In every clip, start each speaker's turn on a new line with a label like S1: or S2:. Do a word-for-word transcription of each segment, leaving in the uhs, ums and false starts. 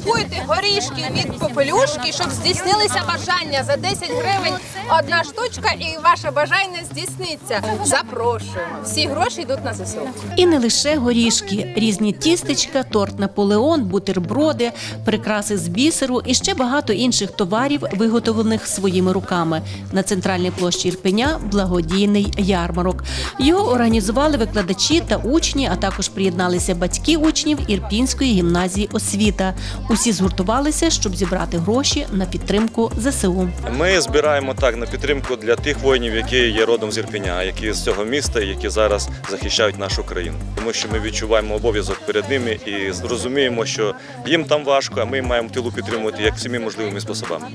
S1: купуйте горішки від Попелюшки, щоб здійснилися бажання. За десять гривень одна штучка і ваше бажання здійсниться. Запрошуємо. Всі гроші йдуть на ЗСУ.
S2: І не лише горішки. Різні тістечка, торт Наполеон, бутерброди, прикраси з бісеру і ще багато інших товарів, виготовлених своїми руками. На центральній площі Ірпеня – благодійний ярмарок. Його організували викладачі та учні, а також приєдналися батьки учнів Ірпінської гімназії «Освіта». Усі згуртувалися, щоб зібрати гроші на підтримку ЗСУ.
S3: Ми збираємо так на підтримку для тих воїнів, які є родом з Ірпеня, які з цього міста, які зараз захищають нашу країну. Тому що ми відчуваємо обов'язок перед ними і розуміємо, що їм там важко, а ми маємо в тилу підтримувати як всіми можливими способами.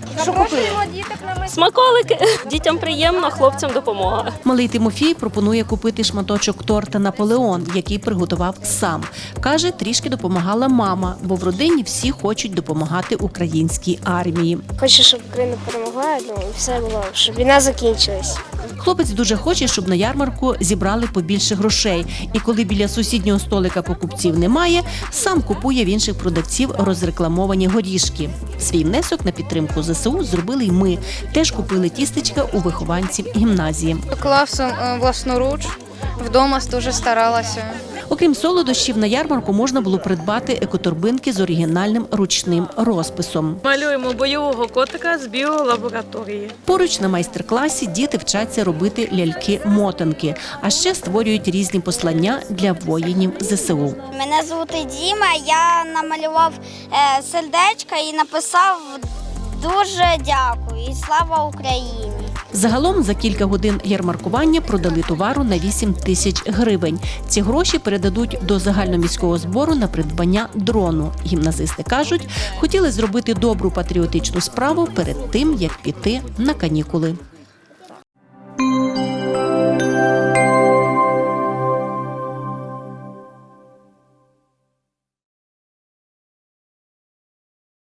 S4: Смаколики. Дітям приємно, хлопцям допомога.
S2: Малий Тимофій пропонує купити шматочок торта «Наполеон», який приготував сам. Каже, трішки допомагала мама, бо в родині всі хочуть допомагати українській армії.
S5: Хочу, щоб Україна перемогла, ну, і все було, щоб війна закінчилась.
S2: Хлопець дуже хоче, щоб на ярмарку зібрали побільше грошей. І коли біля сусіднього столика покупців немає, сам купує в інших продавців розрекламовані горішки. Свій внесок на підтримку ЗСУ зробили й ми. Теж купили тістечка у вихованців гімназії.
S6: Класом власноруч, вдома дуже старалася.
S2: Окрім солодощів, на ярмарку можна було придбати екоторбинки з оригінальним ручним розписом.
S4: Малюємо бойового котика з біолабораторії.
S2: Поруч на майстер-класі діти вчаться робити ляльки-мотанки, а ще створюють різні послання для воїнів ЗСУ.
S7: Мене звати Діма, я намалював е, сердечко і написав «Дуже дякую» і «Слава Україні».
S2: Загалом за кілька годин ярмаркування продали товару на вісім тисяч гривень. Ці гроші передадуть до загальноміського збору на придбання дрону. Гімназисти кажуть, хотіли зробити добру патріотичну справу перед тим, як піти на канікули.